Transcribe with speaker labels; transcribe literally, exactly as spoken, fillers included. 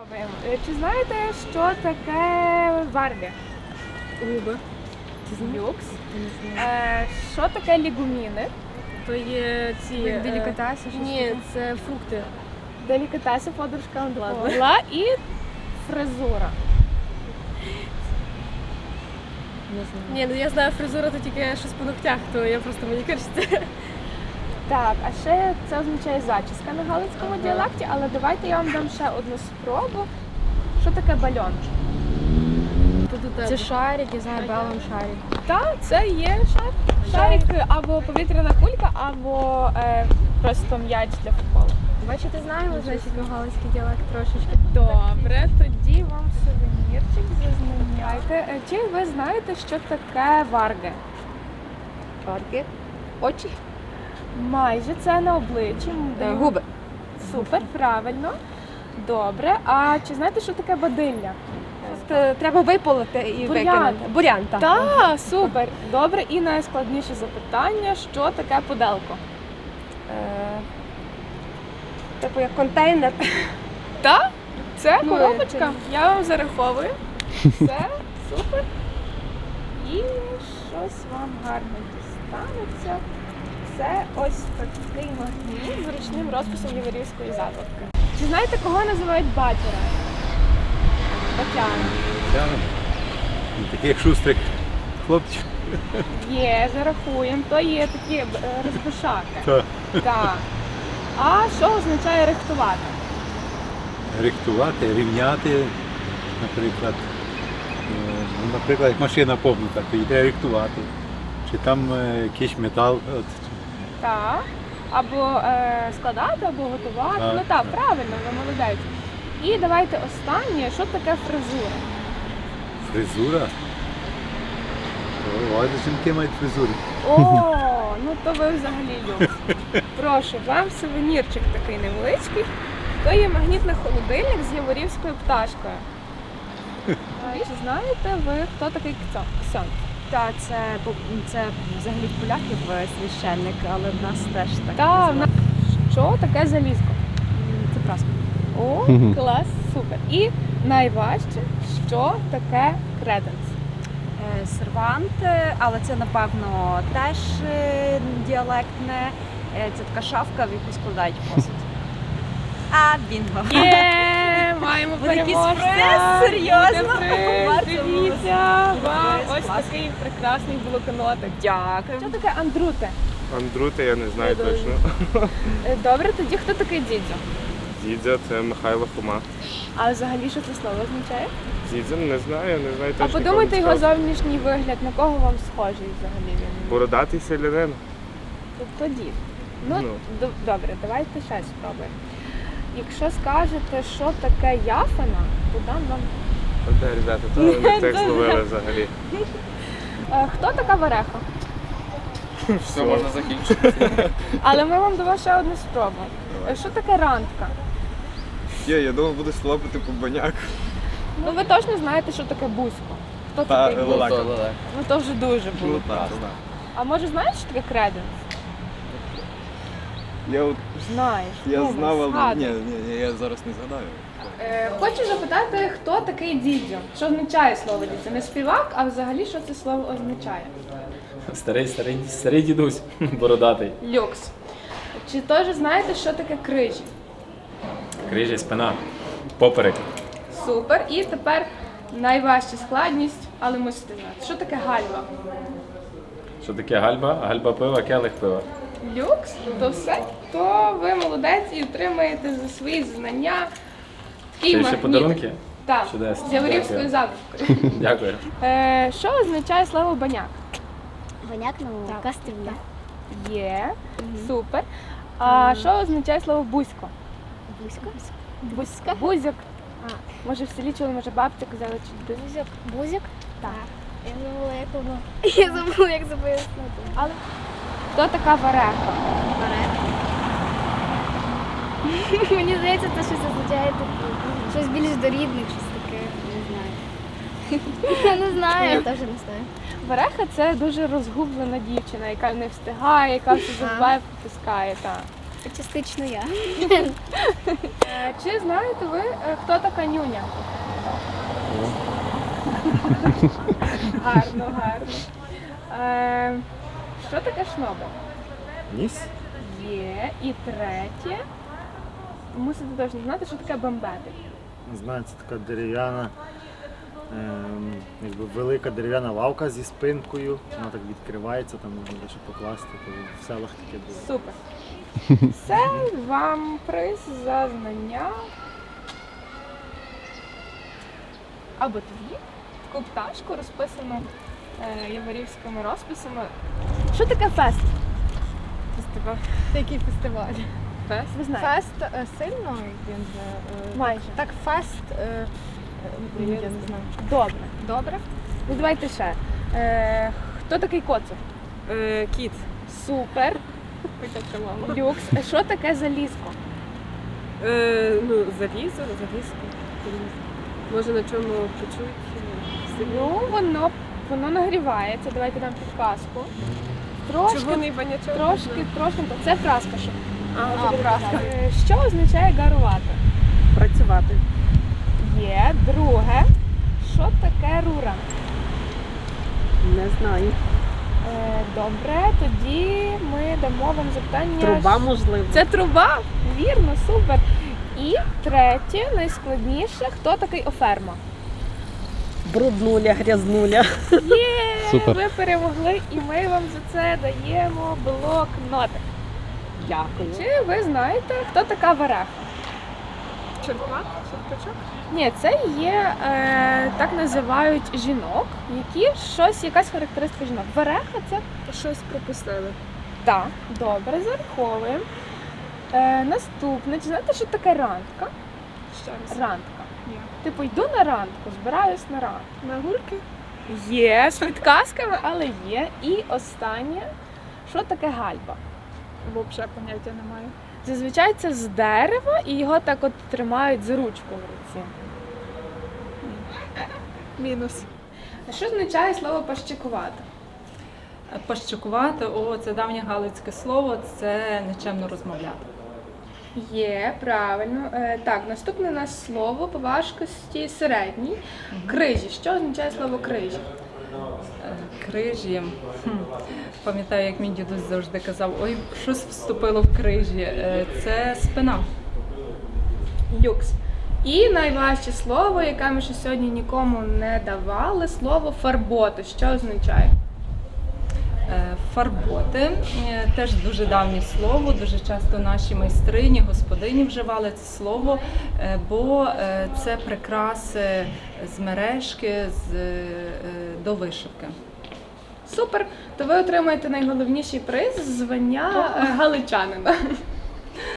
Speaker 1: Е, Чи знаєте, що таке варги?
Speaker 2: Губи.
Speaker 1: Люкс. Е, Що таке лігуміни?
Speaker 2: То є ці...
Speaker 3: Як
Speaker 2: е,
Speaker 3: делікатеси, щось
Speaker 2: Ні,
Speaker 3: таке?
Speaker 2: це фрукти.
Speaker 1: Делікатеси, подружка
Speaker 2: Ладно.
Speaker 1: Павла і фризура.
Speaker 3: Не знаю.
Speaker 2: Ні, ну я знаю фризура, то тільки щось по ногтях, то я просто манікюрщиця.
Speaker 1: Так, а ще це означає зачіска на галицькому діалекті, але давайте я вам дам ще одну спробу. Що таке бальон?
Speaker 3: Це шарик, я знаю, белом шарик.
Speaker 1: Так, це є шар. Шарик або повітряна кулька, або е, просто м'яч для футболу.
Speaker 3: Бачите, знаємо, значить, галицький діалект трошечки.
Speaker 1: Добре, тоді вам сувенірчик зазнайомте. Е, Чи ви знаєте, що таке варги?
Speaker 3: Варги. Очі.
Speaker 1: Майже це на обличчі. Даю-
Speaker 3: Губи.
Speaker 1: Супер, правильно. Добре. А чи знаєте, що таке бадилля?
Speaker 3: Це треба виполоти і
Speaker 1: Бурян.
Speaker 3: викинути. Бурян, так.
Speaker 1: Так, супер. Добре. І найскладніше запитання, що таке пуделко?
Speaker 3: Е, Типу як контейнер.
Speaker 1: Так, це
Speaker 3: Ну,
Speaker 1: коробочка.
Speaker 3: це-
Speaker 1: Я вам зараховую. Все, супер. І щось вам гарно дістанеться. Це ось такий магніт з ручним розписом Яворівської закладки. Чи знаєте, кого називають батяра? Батяна.
Speaker 4: Тяне. Таких шустрих хлопців.
Speaker 1: Є, зарахуємо. То є такі е, розбишаки.
Speaker 4: Так.
Speaker 1: Так. А що означає рихтувати?
Speaker 4: Рихтувати, рівняти, наприклад. Е, ну, Наприклад, як машина погнута, то її треба рихтувати. Чи там е, якийсь метал. От.
Speaker 1: Так. Або е, складати, або готувати.
Speaker 4: Так,
Speaker 1: Ну так,
Speaker 4: так.
Speaker 1: правильно, ви молодець. І давайте останнє, що таке фризура?
Speaker 4: Фризура. О, ось жінки мають фризури.
Speaker 1: О, ну то ви взагалі люкс. Прошу, вам сувенірчик такий невеличкий. То є магнітний холодильник з яворівською пташкою. А чи знаєте ви, хто такий Ксьон? Ксьон?
Speaker 5: Так, це, це взагалі в поляків священник, але в нас теж так
Speaker 1: Та, в
Speaker 5: називають.
Speaker 1: нас- що таке залізко?
Speaker 5: Це праска.
Speaker 1: О, клас, супер. І найважче, що таке креденс?
Speaker 5: Е, Сервант, е, але це, напевно, теж е, діалектне. Е, Це така шафка, в яку складають посуд. А, бінго.
Speaker 1: Є, маємо
Speaker 5: Буде якийсь
Speaker 1: переможця.
Speaker 5: приз? Серйозно?
Speaker 1: Буде приз.
Speaker 5: Варто
Speaker 1: Дивіться,
Speaker 5: було.
Speaker 1: вам
Speaker 5: Буде
Speaker 1: ось
Speaker 5: клас.
Speaker 1: такий прекрасний блокнотик.
Speaker 5: Дякую.
Speaker 1: Що таке андрути?
Speaker 6: Андрути я не знаю
Speaker 1: Я
Speaker 6: точно.
Speaker 1: Е, Добре, тоді хто такий дідзьо?
Speaker 6: Дідзя це Михайло Хома.
Speaker 1: А взагалі що це слово означає?
Speaker 6: Дідзя не знаю, не знаю
Speaker 1: А
Speaker 6: точно.
Speaker 1: подумайте
Speaker 6: кого
Speaker 1: його
Speaker 6: він сказав.
Speaker 1: зовнішній вигляд, на кого вам схожий взагалі він?
Speaker 6: Бородатий селянин.
Speaker 1: Тобто дід. Ну,
Speaker 6: Ну.
Speaker 1: д- добре, давайте ще спробуємо. Якщо скажете, що таке яфана, то дам вам.
Speaker 6: От де, ребята, то ви не текст ловили взагалі.
Speaker 1: Е, Хто така вареха?
Speaker 6: Все, можна закінчити.
Speaker 1: Але ми вам дамо ще одну спробу. Е, Що таке рандка?
Speaker 7: Є, я думав, буде слопати по баняку.
Speaker 1: Ну ви точно знаєте, що таке бузько. Хто
Speaker 7: Та
Speaker 1: такий бузько?
Speaker 7: лелека.
Speaker 1: Ну то вже дуже було.
Speaker 7: Ну так, так.
Speaker 1: А може знаєш, що таке креденс?
Speaker 7: Я от
Speaker 1: Знаєш.
Speaker 7: я
Speaker 1: Ну,
Speaker 7: знав, але
Speaker 1: згадуй.
Speaker 7: ні, ні, ні, я зараз не згадаю.
Speaker 1: Е, Хочу запитати, хто такий дідзьо? Що означає слово дідзьо? Не співак, а взагалі що це слово означає?
Speaker 8: Старий, старий, старий дідусь, бородатий.
Speaker 1: Люкс. Чи теж знаєте, що таке крижі?
Speaker 8: Крижі, спина, поперек.
Speaker 1: Супер. І тепер найважча складність, але мусите знати. Що таке гальва?
Speaker 8: Що таке гальба? Гальба пива, келих пива.
Speaker 1: Люкс, то все, то ви молодець і отримаєте за свої знання.
Speaker 8: Ще ще
Speaker 1: магніт.
Speaker 8: подарунки?
Speaker 1: Так,
Speaker 8: Чудесно.
Speaker 1: з Яворівською
Speaker 8: Дякую.
Speaker 1: закладкою.
Speaker 8: Дякую.
Speaker 1: Е, Що означає слово баняк?
Speaker 9: Баняк, ну, кастрюля.
Speaker 1: Є, супер. А що означає слово бузько?
Speaker 9: Бузька.
Speaker 1: Бузька? Бузьок. Може в селі чули, може бабця казала, чи бузьок.
Speaker 9: Бузьок. Бузьок? Так. Я забула, як воно. Я забула, як це пояснити.
Speaker 1: Але хто така вареха?
Speaker 9: Мені здається, це щось означає таке. Щось більш до рідних, щось таке. Не знаю. Я не знаю. Я теж не знаю.
Speaker 1: Вареха це дуже розгублена дівчина, яка не встигає, яка все забуває, пропускає. Так.
Speaker 9: Частично я.
Speaker 1: Е, Чи знаєте ви, е, хто така нюня? Гарно, гарно. Е, Що таке шнобель?
Speaker 4: Ніс?
Speaker 1: Є. І третє. Мусите точно знати, що таке бомбетик.
Speaker 10: Не знаю, це така дерев'яна, ем, якби велика дерев'яна лавка зі спинкою. Вона так відкривається, там можна дещо покласти. То в селах таке було.
Speaker 1: Супер. Це вам приз за знання. Або тобі. Таку пташку розписану е, яворівськими розписами. Що таке фест?
Speaker 2: Фестиваль. Який фестиваль?
Speaker 1: Фест? Ви знаєте?
Speaker 2: Фест е, сильно він же. е,
Speaker 1: Майже.
Speaker 2: Так, фест. е, е, Я не знаю.
Speaker 1: Добре.
Speaker 2: Добре?
Speaker 1: Ну давайте ще. Е, хто такий коцик?
Speaker 2: Е, Кіт.
Speaker 1: Супер.
Speaker 2: Хоча мама.
Speaker 1: Люкс. А що таке залізко?
Speaker 2: Е, ну, залізо, залізко. Може на чому почують?
Speaker 1: Ну, воно, воно нагрівається. Давайте дам підказку. Трошки,
Speaker 2: Червоний банячок.
Speaker 1: трошки, трошки. Це праска, що.
Speaker 2: А, праска.
Speaker 1: Е, Що означає гарувати?
Speaker 2: Працювати.
Speaker 1: Є. Друге. Що таке рура?
Speaker 2: Не знаю.
Speaker 1: Е, Добре, тоді ми дамо вам запитання.
Speaker 2: Труба, можливо.
Speaker 1: Це труба? Вірно, супер. І третє, найскладніше, хто такий оферма?
Speaker 2: Бруднуля, грязнуля.
Speaker 1: Є!
Speaker 8: Супер.
Speaker 1: Ви перемогли і ми вам за це даємо блокнотик.
Speaker 2: Дякую.
Speaker 1: Чи ви знаєте, хто така вареха?
Speaker 2: Черпак? Черпачок?
Speaker 1: Ні, це є, е, так називають жінок, які щось, якась характеристика жінок. Вареха це
Speaker 2: Щось пропустили.
Speaker 1: так, добре, зараховуємо. Е, наступне, чи знаєте, що таке рандка?
Speaker 2: Ще раз.
Speaker 1: Рандка.
Speaker 2: Ні.
Speaker 1: Типу, йду на рандку, збираюсь на рандку.
Speaker 2: На гурки?
Speaker 1: Є, з підказками, але є. І останнє, що таке гальба?
Speaker 2: Взагалі поняття немає.
Speaker 1: Зазвичай це з дерева і його так от тримають за ручку в руці.
Speaker 2: Мінус.
Speaker 1: А що означає слово пащикувати?
Speaker 11: Пащикувати, о, це давнє галицьке слово, це нечемно розмовляти.
Speaker 1: Є, правильно. Е, так, наступне у нас слово по важкості середній. Крижі. Що означає слово крижі?
Speaker 11: Е, Крижі. Хм. Пам'ятаю, як мій дідусь завжди казав, ой, щось вступило в крижі. Е, Це спина.
Speaker 1: Люкс. І найважче слово, яке ми ще сьогодні нікому не давали, слово фарботи. Що означає?
Speaker 11: Е, Фарботи е, теж дуже давнє слово, дуже часто наші майстрині, господині вживали це слово, е, бо е, це прикраси з мережки, з, е, до вишивки.
Speaker 1: Супер! То ви отримаєте найголовніший приз – звання е, галичанина.